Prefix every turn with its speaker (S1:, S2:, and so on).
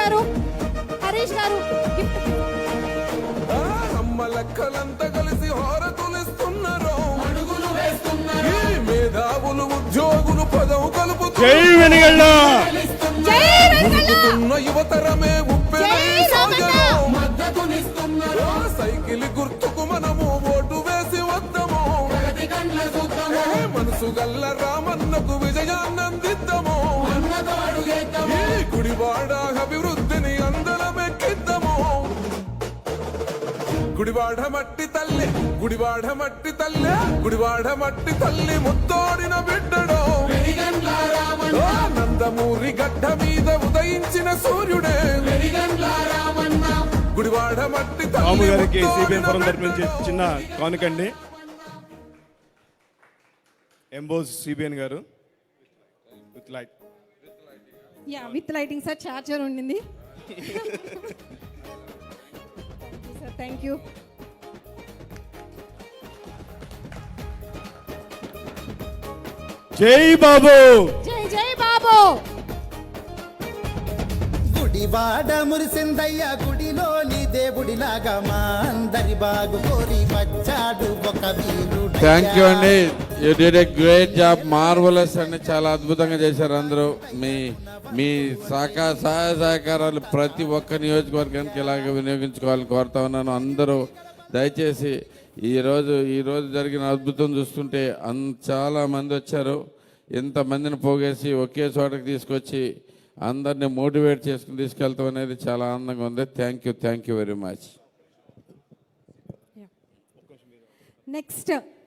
S1: గారు, హరీష్ గారు గిఫ్ట్.
S2: అమ్మలక్కలంతా కలిసి హారతులిస్తున్నారు, అడుగులు వేస్తున్నారు. ఈ మేధావులు ఉద్యోగులు పదవు కలుపుతున్న యువతరమే మద్దతునిస్తున్నారు. సైకిల్ గుర్తుకు మనము ఓటు వేసి వద్దాము, మనసు గల్ల రామన్నకు విజయాన్నందిద్దాము. ఈ గుడివాడ అభివృద్ధిని అందలమెక్కిద్దాము. గుడివాడ మట్టి తల్లి, గుడివాడ మట్టి తల్లి, గుడివాడ మట్టి తల్లి ముత్తోడిన బిడ్డడు. నందమూరి గడ్డ మీద ఉదయించిన సూర్యుడే గుడివాడ మట్టి తల్లి.
S3: గారికి సిబిఎన్ ఫోరం తరపు నుంచి చిన్న కానుకండి. ఎంబోస్ సిబిఎన్ గారు with light.
S1: Yeah, with lighting sir, charger ఉండింది. Thank you.
S3: జై బాబు,
S1: జై జై బాబు.
S4: గుడివాడ మురిసిందయ్య గుడిలోని దేవుడిలాగా మా అందరి బాగు కోరి వచ్చాడు ఒక వీరుడు.
S5: థ్యాంక్ యూ అండి, you did a great job, marvellous అండి, చాలా అద్భుతంగా చేశారు అందరూ. మీ సహాయ సహకారాలు ప్రతి ఒక్క నియోజకవర్గానికి ఇలాగ వినియోగించుకోవాలని కోరుతా ఉన్నాను. అందరూ దయచేసి ఈరోజు జరిగిన అద్భుతం చూస్తుంటే చాలా మంది వచ్చారు. ఇంతమందిని పోగేసి ఒకే చోటకి తీసుకొచ్చి అందరినీ మోటివేట్ చేసుకుని తీసుకెళ్తాం అనేది చాలా ఆనందంగా ఉంది. Thank you very much.
S1: Next